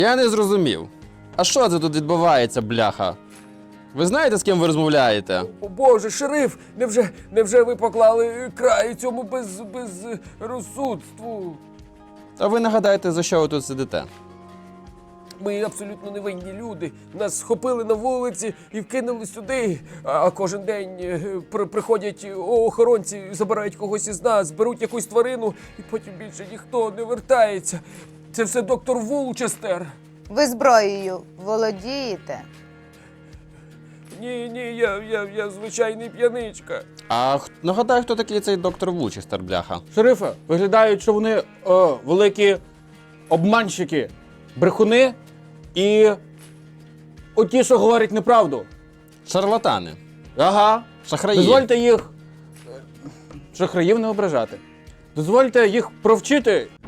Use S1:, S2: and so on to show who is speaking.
S1: Я не зрозумів. А що це тут відбувається, бляха? Ви знаєте, з ким ви розмовляєте?
S2: О Боже, шериф, невже ви поклали край цьому безрозсудству?
S1: А ви нагадайте, за що ви тут сидите?
S2: Ми абсолютно невинні люди. Нас схопили на вулиці і вкинули сюди. А кожен день приходять охоронці, забирають когось із нас, беруть якусь тварину, і потім більше ніхто не вертається. Це все доктор Вулчестер.
S3: Ви зброєю володієте?
S2: Ні, я звичайний п'яничка.
S1: А нагадай, хто такий цей доктор Вулчестер, бляха?
S4: Шерифе, виглядають, що вони великі обманщики, брехуни і оті, що говорять неправду.
S1: Шарлатани.
S4: Ага.
S1: Шахраї.
S4: Дозвольте їх шахраїв не ображати. Дозвольте їх провчити